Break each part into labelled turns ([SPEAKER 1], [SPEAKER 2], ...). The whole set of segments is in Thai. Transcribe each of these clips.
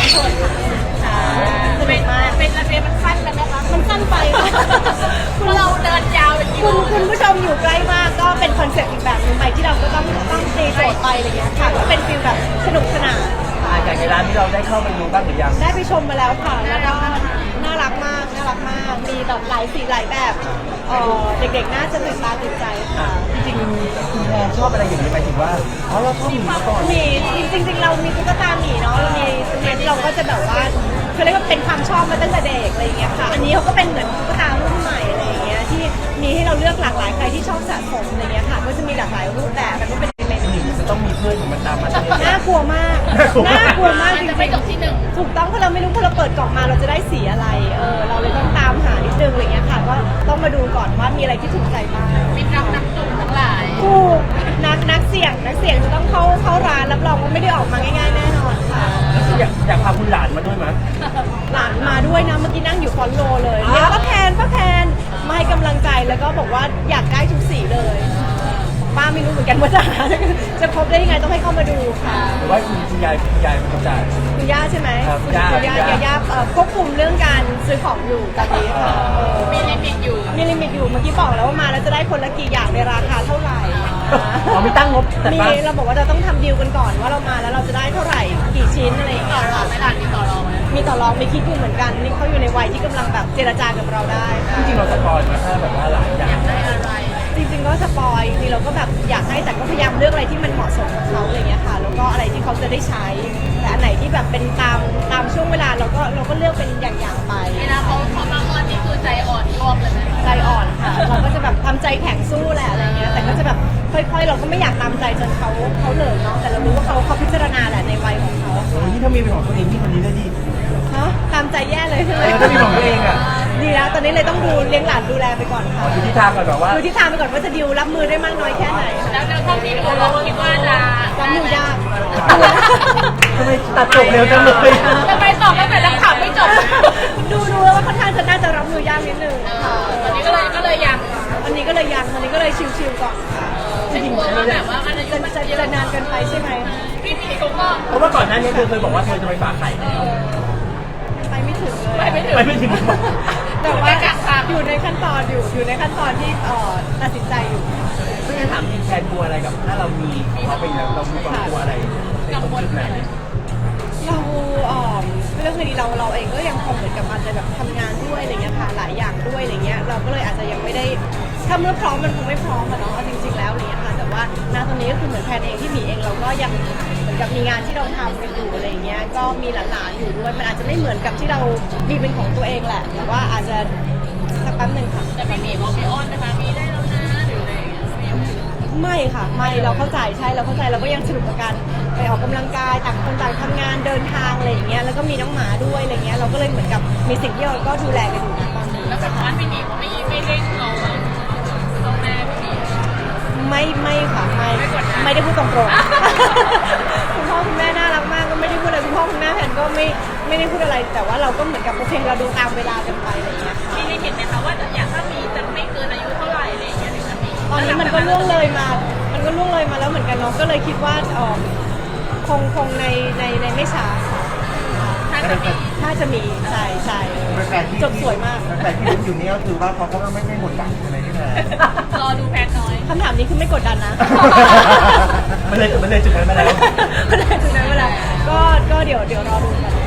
[SPEAKER 1] โทษค่ะสนุกมากเป็นระเบียบมันสั้นกันไหมคะมันสั้นไปคุณเราเดินยาวเป็นกิโลคุณผู้ชมอยู่ใกล้มากก็เป็นคอนเซ็ปต์อีกแบบนึงไปที่เราก็ต้องตีโจทย์ไปอะไรอย่างเงี้ยค่ะก็เป็นฟีลแบบสนุกสนาน
[SPEAKER 2] อย่างในร้านที่เราได้เข้าไปดูบ้างหรือยัง
[SPEAKER 1] ได้ไปชมมาแล้วค่ะแล้วก็น่ารักมากน่ารักมากมีแบบหลายสีหลายแบบเด็กๆน่าจะตื่นตาตื่นใจค่ะ
[SPEAKER 2] จริงๆคุณแพรชอบอะไรอย่างนี้หมายถึงว่าเราชอบหมีมาก่อน
[SPEAKER 1] มีจริงๆเรามีตุ๊กตาหมีเนาะเรามีเราก็จะแบบว่าเขาเรียกว่าเป็นความชอบมาตั้งแต่เด็กอะไรอย่างเงี้ยค่ะอันนี้เขาก็เป็นเหมือนตุ๊กตารุ่นใหม่อะไรอย่างเงี้ยที่มีให้เราเลือกหลากหลายใครที่ชอบสะสมอะไรเงี้ยค่ะก็จะมีหลากหลายรูปแบบมันก็เป็น
[SPEAKER 2] จะต้องมีเพื่อนของมันตามมา
[SPEAKER 1] น่ากลัวมากน่ากลัวมากจริงๆ
[SPEAKER 3] ไม่จบที่หนึ่ง
[SPEAKER 1] ถูกต้องเพราะเราไม่รู้พอเราเปิดกล่องมาเราจะได้สีอะไรเราเลยต้องตามหานิดนึงอะไรเงี้ยค่ะก็ต้องมาดูก่อนว่ามีอะไรที่ถูกใจบ้าง
[SPEAKER 3] มีนักจุ่มทั้งหลาย
[SPEAKER 1] ถูกนักเสี่ยงจะต้องเข้าร้านรับรองว่าไม่ได้ออกมาง่ายๆแน่นอนค่ะ
[SPEAKER 2] อยากพาคุณหลานมาด้วยมั้ย
[SPEAKER 1] หลานมาด้วยนะเมื่อกี้นั่งอยู่ฟอนโลเลยเรียกป้าแพนมาให้กำลังใจแล้วก็บอกว่าอยากได้ทุกสีเลยป้าไม่รู้เหมือนกันว่าจะครบได้ยังไงต้องให้เข้ามาดูค่ะ
[SPEAKER 2] หรือว่าคุณยายเป็นคนจ่าย
[SPEAKER 1] คุณย่าใช่ไหม
[SPEAKER 2] คุณ
[SPEAKER 1] ย่าควบคุมเรื่องการซื้อของอยู่ตอนนี้ค่ะ
[SPEAKER 3] มีลิมิตอยู่
[SPEAKER 1] เมื่อกี้บอกแล้วว่ามาแล้วจะได้คนละกี่อย่างในราคาเท่าไหร่
[SPEAKER 2] มีตั้งงบ
[SPEAKER 1] มีเราบอกว่าเราต้องทำดีลกันก่อนว่าเรามาแล้วเราจะได้เท่าไหร่กี่ชิ้นอะไรอย่างเงี้ยค่ะ
[SPEAKER 3] ไม่ได้มีต่อรอง
[SPEAKER 1] มีคิดอยู่เหมือนกันนี่เขาอยู่ในวัยที่กำลังแบบเจรจากับเราได้
[SPEAKER 2] จริงๆเราสปอยล์มาถ้าแบบว่าหลายอย่าง
[SPEAKER 3] ได้อะไร
[SPEAKER 1] จริงๆก็สปอยจริงเราก็แบบอยากให้แต่ก็พยายามเลือกอะไรที่มันเหมาะสมกับเขาอะไรเงี้ยค่ะแล้วก็อะไรที่เขาจะได้ใช้แต่อันไหนที่แบบเป็นตามช่วงเวลาเราก็เลือกเป็นอย่างๆไป
[SPEAKER 3] เวลาเขามาอ้อนนี่คือใจอ่อนรวบเลยไหม
[SPEAKER 1] ใจอ่อนค่ะเราก็จะแบบทำใจแข็งสู้แหละอะไรเงี้ยแต่ก็จะแบบค่อยๆเราก็ไม่อยากตามใจจนเขาเลยเนาะแต่เรารู้ว่าเขาพิจารณาแหละในวัยของเขา
[SPEAKER 2] นี่ถ้ามีเป็นของตัวเองที่คนนี้ได้ดี
[SPEAKER 1] ฮะตามใจแย่เลยใช่ไหม
[SPEAKER 2] ถ้ามีของตัวเองอ่ะ
[SPEAKER 1] ดีแล้วตอนนี้เลยต้องดูเลี้ยงหลานดูแลไปก่อนค่ะ
[SPEAKER 2] ดูทิศทางก่อนแบบว่า
[SPEAKER 1] ดูทิศทางไปก่อนว่าจะดิวรับมือได้มากน้อยแค่ไหน
[SPEAKER 3] แล้วเท่าที่ดูเราคิดว่าจะ
[SPEAKER 1] รับมือยาก
[SPEAKER 2] ทำไมตัดจบเร็วจังเลย
[SPEAKER 3] ทำไมตอบตั้งแต่นักข่าวไม่จบ
[SPEAKER 1] ดูแล้วว่าค่อนข้างจะน่าจะรับมือยากนิดนึงค่ะ
[SPEAKER 3] ตอนนี้ก็เลยยัง
[SPEAKER 1] อันนี้ก็เลยชิวๆก่อนค่ะ
[SPEAKER 3] จริงๆว่าแบบว่า
[SPEAKER 1] จะนานเกินไปใช่ไหม
[SPEAKER 3] พี่หมีเขาก็
[SPEAKER 2] เพราะว่าก่อนหน้านี้เธอเคยบอกว่าเธอจะไปฝากไข่แล้ว
[SPEAKER 1] ไปไม่ถึงเลย
[SPEAKER 2] ไปไม่ถึง
[SPEAKER 1] แต่ว่าอยู่ในขั้นตอนที่ตัดสินใจอยู่
[SPEAKER 2] ไม่งั้นถามแทนกลัวอะไรกับถ้าเรามีเขาไปแล้วเรามีความกลัวอะไรในตรงจุดไหน
[SPEAKER 1] เราเรื่องคดีเราเองก็ยังคงเหมือนกับอาจจะแบบทำงานด้วยอะไรเงี้ยค่ะหลายอย่างด้วยอะไรเงี้ยเราก็เลยอาจจะยังไม่ได้ถ้าเมื่อพร้อมมันคงไม่พร้อมอะเนาะจริงๆแล้วอะไรเงี้ยค่ะแต่ว่าณตอนนี้ก็คือเหมือนแพนเองที่มีเองเราก็ยังเหมือนกับมีงานที่เราทำกันอยู่อะไรเงี้ยก็มีหลานๆอยู่ด้วยมันอาจจะไม่เหมือนกับที่เรามีเป็นของตัวเองแหละแต่ว่าอาจจะสักแป๊บนึงค่ะ
[SPEAKER 3] แต่พี่หมีบอกพี่อ้อนนะคะมีได้แล้วนะหรืออะไร
[SPEAKER 1] ไม่ค่ะไม่เราเข้าใจใช่เราเข้าใจเราก็ยังสนุกกับการไปออกกำลังกายต่างคนต่างทำงานเดินทางอะไรอย่างเงี้ยแล้วก็มีน้องหมาด้วยอะไรเงี้ยเราก็เลยเหมือนกับมีสิ่งที่เราก็ดูแลกันอยู่นะตอนนี้
[SPEAKER 3] แล้วแบบบ้านพี่หมีเขาไม่เร่งเราแม่พี่หมี
[SPEAKER 1] ไม่ค่ะไม่ได้พูดตรงๆคุณพ่อคุณแม่น่ารักมากก็ไม่ได้พูดอะไรคุณพ่อคุณแม่แพนก็ไม่ได้พูดอะไรแต่ว่าเราก็เหมือนกับโอเคเราดูตามเวลากันไปอะไรเงี้ย
[SPEAKER 3] มีลิมิตไหมคะว่าอยากถ้ามีจะไม่เกินอายุเท่าไหร่อะไรอย่างเงี้ย
[SPEAKER 1] ตอนนี้มันก็ล่วงเลยมาแล้วเหมือนกันเนาะก็เลยคิดว่าคงในไม่ช้าถ้าจะมีใช่จบสวยมาก
[SPEAKER 2] แต่ที่รู้อยู่นี่ก็คือว่าเขาก็ไม่หมดหวังใช่ไหมพี่แพร
[SPEAKER 3] รอดูแพนน้อย
[SPEAKER 1] คำถามนี้คือไม่กดดันนะ
[SPEAKER 2] มันเลยจุดนั้นมาแล้ว
[SPEAKER 1] ก็เดี๋ยวรอดูกัน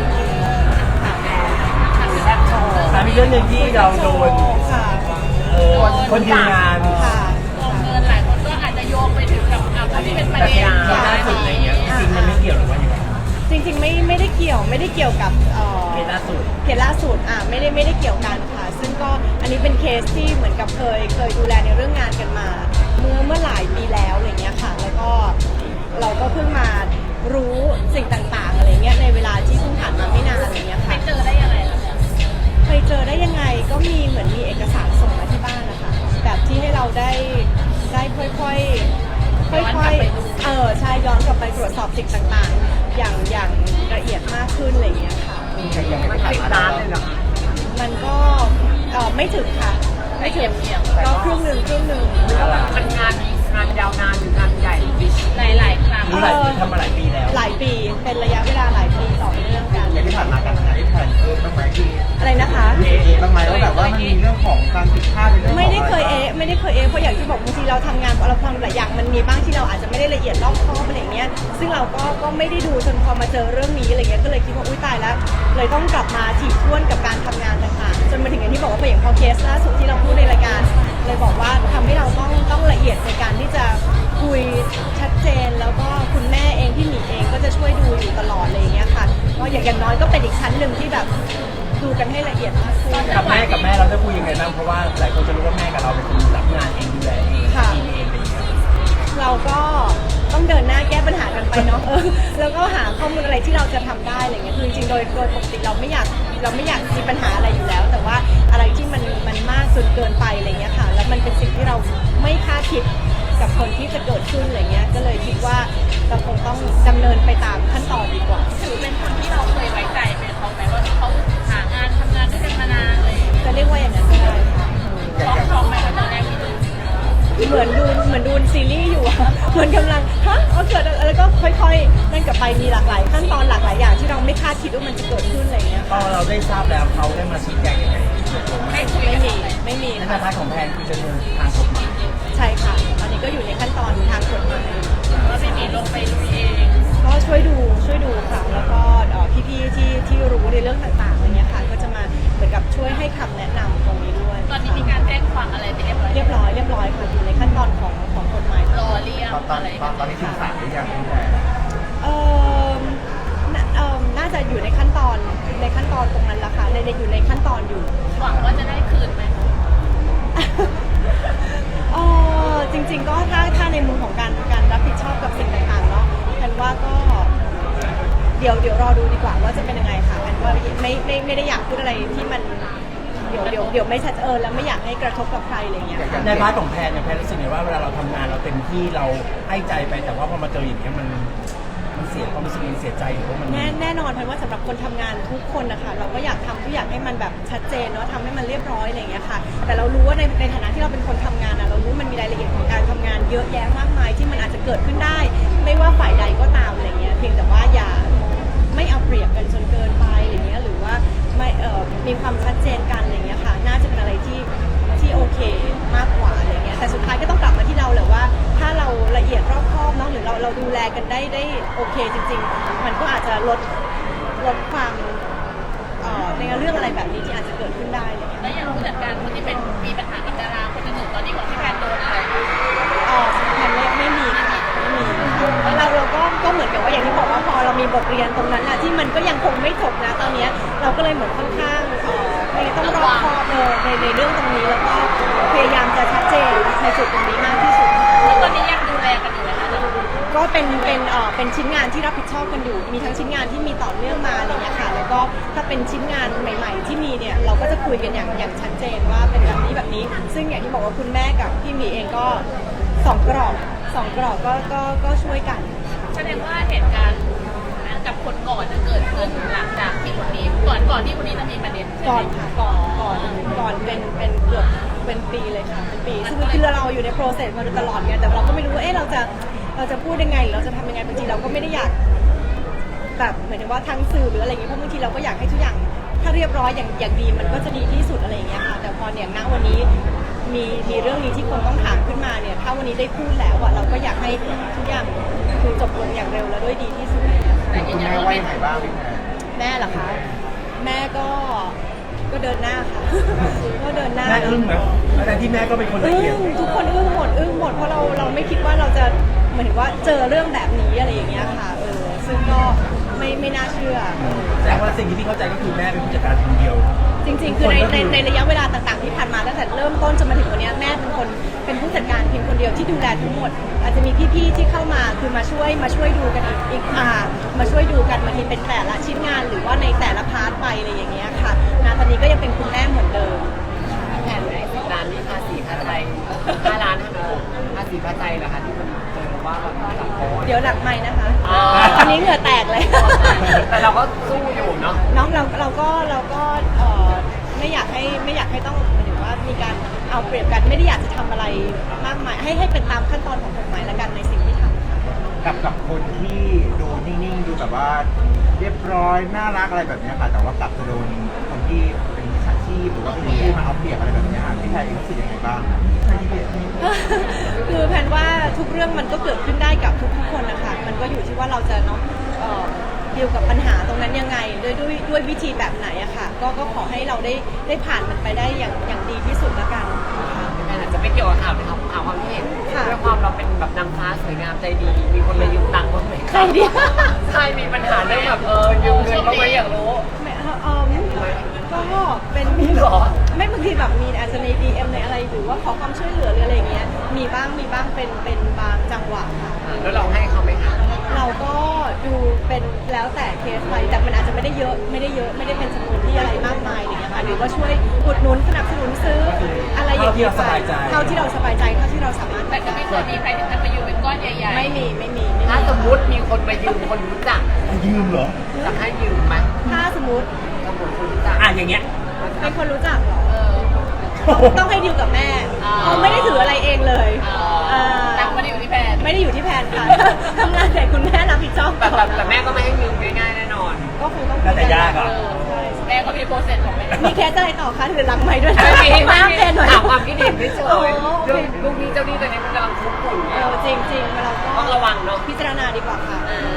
[SPEAKER 2] มีเรื่องหนึ่งที่เราโดนคนยืมงาน
[SPEAKER 3] เงินหลายคนก็อาจจะโยงไปถึงกับที่เป็นประเด็น
[SPEAKER 2] ล่าสุดอะไรเงี้ยจริงมันไม่เกี่ยวหรือว่ายังไง
[SPEAKER 1] จริงไม่ได้เกี่ยวกับ
[SPEAKER 2] เคสล่าสุด
[SPEAKER 1] ไม่ได้เกี่ยวกันค่ะซึ่งก็อันนี้เป็นเคสที่เหมือนกับเคยดูแลในเรื่องงานกันมาเมื่อหลายปีแล้วอะไรเงี้ยค่ะแล้วก็เราก็เพิ่งมารู้สิ่งต่างๆอะไรเงี้ยในเวลาที่เพิ่งผ่านมาไม่นานอะไรเงี้ยค่ะ
[SPEAKER 3] ไปเจอได้ยังไงล่ะ
[SPEAKER 1] เคยเจอได้ยังไงก็มีเหมือนมีเอกสารส่งมาที่บ้านนะคะแบบที่ให้เราได้ค่อยใช่ย้อนกลับไปตรวจสอบสิ่งต่างๆอย่างละเอียดมากขึ้นอะไรอย่างเงี้ยค่ะ
[SPEAKER 2] มันติดตามเลยเหรอ
[SPEAKER 1] มันก็ไม่ถึงค่ะไม่ถึงก็ครึ่งหนึ่ง
[SPEAKER 3] มันงานยาวนานหรืองานใหญ่หลายครั้ง
[SPEAKER 2] ทำมาหลายปีแล้ว
[SPEAKER 1] หลายปีเป็นระยะเวลาหลายปีต่อเนื่องกันเราทำงานเราทำหลายอย่างมันมีบ้างที่เราอาจจะไม่ได้ละเอียดรอบคอบอะไรเงี้ยซึ่งเราก็ไม่ได้ดูจนพอมาเจอเรื่องนี้อะไรเงี้ยก็เลยคิดว่าอุ้ยตายแล้วเลยต้องกลับมาถี่ถ้วนกับการทำงานต่างๆจนมาถึงอย่างที่บอกว่าอย่างพอเคสล่าสุดที่เราพูดในรายการเลยบอกว่าทำให้เราต้องละเอียดในการที่จะคุยชัดเจนแล้วก็คุณแม่เองพี่หมีเองก็จะช่วยดูอยู่ตลอดอะไรเงี้ยค่ะก็อย่างน้อยก็เป็นอีกชั้นหนึ่งที่แบบดูกันให้ละเอียดมากขึ้น
[SPEAKER 2] กับแม่เราจะคุยยังไงบ้างเพราะว่าหลายคนจะรู้ว่าแม่กับเราเป็นคนรับงานเองดูแลเองทีมเองอะไรอย่างเงี้ย
[SPEAKER 1] เราก็ต้องเดินหน้าแก้ปัญหากันไปเนาะแล้วก็หาข้อมูลอะไรที่เราจะทำได้อะไรเงี้ยคือจริงๆโดยปกติเราไม่อยากมีปัญหาอะไรอยู่แล้ว แต่ว่าอะไรที่มันมากจนเกินไปอะไรเงี้ยค่ะแล้วมันเป็นสิ่งที่เราไม่คาดคิดกับคนที่จะเกิดขึ้นอะไรเงี้ยก็เลยคิดว่าเราคงต้องดำเนินไปตามขั้นตอนดีกว่า
[SPEAKER 3] ถือเป็นคนที่เราเคยไว้ใจเป็นเขาไหมว่าเขาหางานทำงานด้วยกันมานานเลย
[SPEAKER 1] จะเรียกว่าอย่างนั้นก็ได้ค่ะ
[SPEAKER 3] ช็อกไหมตอนแรกที่ดู
[SPEAKER 1] เหมือนดูซีรีส์อยู่อะเหมือนกำลังเกิดอะไรแล้วก็ค่อยๆนั่นกลับไปมีหลากหลายขั้นตอนหลากหลายอย่างที่เราไม่คาดคิดว่ามันจะเกิดขึ้นอะไรเงี้ย
[SPEAKER 2] พอเราได้ทราบแล้วเขาได้มาชี้แจงยังไง
[SPEAKER 3] ให้คุย
[SPEAKER 1] ไม่มี
[SPEAKER 2] ใน
[SPEAKER 1] ค่ะ
[SPEAKER 2] พาร์ทของแพนคือจะเดินทางกฎหมาย
[SPEAKER 1] ใช่ค่ะตอนนี้ก็อยู่ในขั้นตอนทางกฎหมาย
[SPEAKER 3] ว่าไม่มีลงไปลุยเอง
[SPEAKER 1] ก็ช่วยดูค่ะแล้วก็พี่ๆที่รู้ในเรื่องต่างๆอะไรเงี้ยค่ะก็จะมาเหมือนกับช่วยให้คำแนะนำตรงนี้ด้วย
[SPEAKER 3] ตอนนี้มีการแจ้งความอะไรไปเรียบร้อย
[SPEAKER 1] เรียบร้อยค่ะอยู่ในขั้นตอนของกฎหมาย
[SPEAKER 3] รอเรียกอะไร
[SPEAKER 2] ตอนนี้ถึงศาลหรือยังพี่แพน
[SPEAKER 1] เอ่อน่าจะอยู่ในขั้นตอนตรงนั้นละค่ะอยู่ในขั้นตอนอยู่
[SPEAKER 3] หวังว่าจะได้คืนไหม
[SPEAKER 1] จริงๆก็ถ้าในมุมของการรับผิดชอบกับสิ่งต่างๆเนาะแพนว่าก็เดี๋ยวรอดูดีกว่าว่าจะเป็นยังไงค่ะแพนว่าไม่ได้อยากพูดอะไรที่มันเดี๋ยวไม่ชัดแล้วไม่อยากให้กระทบกับใครอะไรอย่างเงี้ยค่ะ
[SPEAKER 2] ในพาร์ทของแพนเนี่ยแพนรู้สึกไงว่าเวลาเราทำงานเราเต็มที่เราให้ใจไปแต่ว่าพอมาเจออย่างเงี้ยมันเสียความรู้สึกมันเสียใจหรือว่ามัน
[SPEAKER 1] แน่นอนแพนว่าสำหรับคนทำงานทุกคนนะคะเราก็อยากทำทุกอย่างให้มันแบบชัดเจนเนาะทำให้มันเรียบร้อยอะไรอย่างเงี้ยค่ะแต่เรารู้ว่าในฐานะที่เราเป็นคนทำงานเรารู้มันมีรายละเอียดของการทำงานเยอะแยะมากมายที่มันอาจจะเกิดขึ้นได้ ไม่ว่าฝ่ายใดก็ตามอะไรเงี้ยเพียงแต่ว่าอย่าไม่เอาเปรียบกันจนเกินไปอะไรเงี้ยหรือว่าไม่มีความชัดเจนกันอะไรเงี้ยค่ะน่าจะเป็นอะไรที่โอเคมากกว่าอะไรเงี้ยแต่สุดท้ายก็ต้องกลับมาที่เราแหละว่าถ้าเราละเอียดรอบคอบเนาะหรือเราดูแลกันได้โอเคจริงๆมันก็อาจจะลดความในเรื่องอะไรแบบนี้ที่อาจจะเกิดขึ้นได้อะไรเงี้ย
[SPEAKER 3] แล้วอย่างผู้จัดการคนที่เป็นมีปัญหากับดาราคนอื่นตอนนี้ของพี่แพนโดนอะไร
[SPEAKER 1] มันไม่มีค่ะเราก็เหมือนกับว่าอย่างที่บอกว่าพอเรามีบทเรียนตรงนั้นนะที่มันก็ยังคงไม่จบนะตอนนี้เราก็เลยเหมือนค่อนข้างต้องรอบคอบในเรื่องตรงนี้แล้วก็พยายามจะชัดเจนในจุดตรงนี้มากที่สุด
[SPEAKER 3] แล้วตอนนี้ยังดูแลกันอยู่ไหมคะ
[SPEAKER 1] ก็เป็นชิ้นงานที่รับผิดชอบกันอยู่มีทั้งชิ้นงานที่มีต่อเนื่องมาอะไรเงี้ยค่ะแล้วก็ถ้าเป็นชิ้นงานใหม่ ๆ ที่มีเนี่ยเราก็จะคุยกันอย่างชัดเจนว่าเป็นแบบนี้ซึ่งอย่างที่บอกว่าคุณแม่กับพี่หมีเองก็สองกรอบก็ช่วยกัน
[SPEAKER 3] แสดงว่าเหตุการณ์กับคนก่อนจะเกิดขึ้นหลังจากที่คนนี้ก่อนที่คนนี้จะมีประเด็น
[SPEAKER 1] ก่อนค่ะก่อนเป็นเกือบเป็นปีเลยค่ะเป็นปีซึ่งคือเราอยู่ในโปรเซสมาโดยตลอดไงแต่เราก็ไม่รู้ว่าเราจะพูดยังไงหรือเราจะทำยังไงบางทีเราก็ไม่ได้อยากแบบหมายถึงว่าทางสื่อหรืออะไรอย่างเงี้ยเพราะบางทีเราก็อยากให้ทุกอย่างถ้าเรียบร้อยอย่างดีมันก็จะดีที่สุดอะไรอย่างเงี้ยค่ะแต่พอเนี่ยณวันนี้มีเรื่องนี้ที่คนต้องถามขึ้นมาเนี่ยถ้าวันนี้ได้พูดแล้วเราก็อยากให้ทุกอย่างคือจบลงอย่างเร็วและด้วยดีที่สุด
[SPEAKER 3] แต่ยืนยันว่า
[SPEAKER 2] ว่ายังไงบ้างพี่แพน
[SPEAKER 1] แม่เหรอคะแม่ก็เดินหน้าค่ะ ก็เดินหน้า
[SPEAKER 2] แม่อึ้งไหมแต่ที่แม่ก็เป็นคนละเอียด
[SPEAKER 1] ทุกคนอึ้งหมดเพราะเราไม่คิดว่าเราจะเหมือนว่าเจอเรื่องแบบนี้อะไรอย่างเงี้ยค่ะซึ่งก็ไม่น่าเชื่อ
[SPEAKER 2] แต่ว่าสิ่งที่พี่เข้าใจก็คือแม่เป็นผู้จัดการคนเดียว
[SPEAKER 1] จริงๆคือในระยะเวลาต่างๆที่ผ่านมาตั้งแต่เริ่มต้นจนมาถึงวันนี้แม่เป็นผู้จัดการเพียงคนเดียวที่ดูแลทั้งหมด อาจจะมีพี่ๆที่เข้ามาคือมาช่วยดูกันอีกมาช่วยดูกันบางทีเป็นแต่ละชิ้นงานหรือว่าในแต่ละพาร์ทไปอะไรอย่างเงี้ยค่ะตอนนี้ก็ยังเป็นคุณแม่เหมือนเดิม
[SPEAKER 4] แผนใน10 ล้านนี่ภาษีค่าใจ5 ล้านเท่านั้นภาษีค่าใจเหรอคะที่มันเจอว่าแบบหลักโพส
[SPEAKER 1] เดี๋ยวหลักไม้นะคะ
[SPEAKER 4] อ๋อ
[SPEAKER 1] ตอนนี้เหงื่อแตกเลย
[SPEAKER 4] แต่เราก็สู้อยู่เนาะ
[SPEAKER 1] น้องเราก็ไม่อยากให้ต้องหมายถึงว่ามีการเอาเปรียบกันไม่ได้อยากจะทำอะไรมากมายให้เป็นตามขั้นตอนของกฎหมายละกันในสิ่งที่ทำค่ะ
[SPEAKER 5] กับคนที่ดูนิ่งๆดูแบบว่าเรียบร้อยน่ารักอะไรแบบเนี้ยค่ะแต่ว่ากลับจะโดนคนที่เป็นมิจฉาชีพบหรือว่าพี่มาเอาเปรียบอะไรแบบเนี้ยพี่แพรเองรู้สึกยังไงบ้างให้ที่เปรียบ
[SPEAKER 1] คือแพนว่าทุกเรื่องมันก็เกิดขึ้นได้กับทุกคนนะคะมันก็อยู่ที่ว่าเราจะเนาะดีลกับปัญหาตรงนั้นยังไงด้วยวิธีแบบไหนอะค่ะก็ขอให้เราได้ผ่านมันไปได้อย่างดีที่สุดละกันนะคะ
[SPEAKER 4] แม่อาจจะไม่เกี่ยวกับข่าวนะครับข่าวความที่เห็น
[SPEAKER 1] ค่ะ
[SPEAKER 4] ด้วยความเราเป็นแบบนางฟ้าสวยงามใจดี มีคนมายืมตังค์บ้างไหม
[SPEAKER 1] ใครดี
[SPEAKER 4] ใช่มีปัญหาเรื่องแบบยืมเงินบ้างไหมอยากรู้
[SPEAKER 1] ไม่ก็เป็น
[SPEAKER 4] มีเหรอ
[SPEAKER 1] ไม่บางทีแบบมีอาจจะใน DM ในอะไรหรือว่าขอความช่วยเหลือหรืออะไรอย่างเงี้ยมีบ้างเป็นบางจังหวะค่ะ
[SPEAKER 4] แล้วเราให้เขาไหมคะ
[SPEAKER 1] เราก็ดูเป็นแล้วแต่เคสไปแต่มันอาจจะไม่ได้เยอะไม่ได้เป็นจำนวนที่อะไรมากมายอะไรอย่างเงี้ยค่ะหรือว่าช่วยอุดหนุนสนับสนุนซื้ออะไรอย่างเงี้ยไปเท่าที่เราสบายใจเท่าที่เราสามารถ
[SPEAKER 3] แต่ก็ไม่เคยมีใครถึงขั้นมายืมเป็นก้อนใหญ่ๆ
[SPEAKER 1] ไม่มี
[SPEAKER 4] ถ้าสมมุติมีคนมายืมคนรู้จัก
[SPEAKER 5] ยืมเหรอ
[SPEAKER 4] จะให้ยืมไหม
[SPEAKER 1] ถ้าสมมติ
[SPEAKER 4] สมมติคนรู้จัก
[SPEAKER 2] อย่างเงี้ย
[SPEAKER 1] เป็นคนรู้จักเหรอ
[SPEAKER 3] เออ
[SPEAKER 1] ต้องให้ดีลกับแม่
[SPEAKER 3] อ่า
[SPEAKER 1] เขาไม่ได้ถืออะไรเองเลยอ่า
[SPEAKER 3] ตังค์ไมาอยู่ที่แพน
[SPEAKER 1] ไม่ได้อยู่ที่แผนค่ะ ทำงานแต่คุณแม่รับผิดชอบ
[SPEAKER 4] แต่แม่ก็ไม่ให้ยืมง่ายๆแน่นอน
[SPEAKER 1] ก็คงต้อง
[SPEAKER 2] แล้วแต่ยากอะ
[SPEAKER 1] ใช่
[SPEAKER 3] แม่ก็มีโปรเซสของแม่
[SPEAKER 1] มีเคสอะไรต่อคะถือหลังไม้ด้วยนะ
[SPEAKER 4] ไม่มี
[SPEAKER 1] มาอัปเดตหน่อย
[SPEAKER 4] ถามความคิดเห็นไม่เฉ
[SPEAKER 1] อ๋อย โอ
[SPEAKER 4] เรื่อง
[SPEAKER 1] เค
[SPEAKER 4] ลูกนี้เจ้าหนี้ตอนนี้มันกำลังคุกคุ่น
[SPEAKER 1] จริงๆเราก็
[SPEAKER 4] ต้องระวังเนาะ
[SPEAKER 1] พิจารณาดีกว่าค่ะ
[SPEAKER 4] อ่า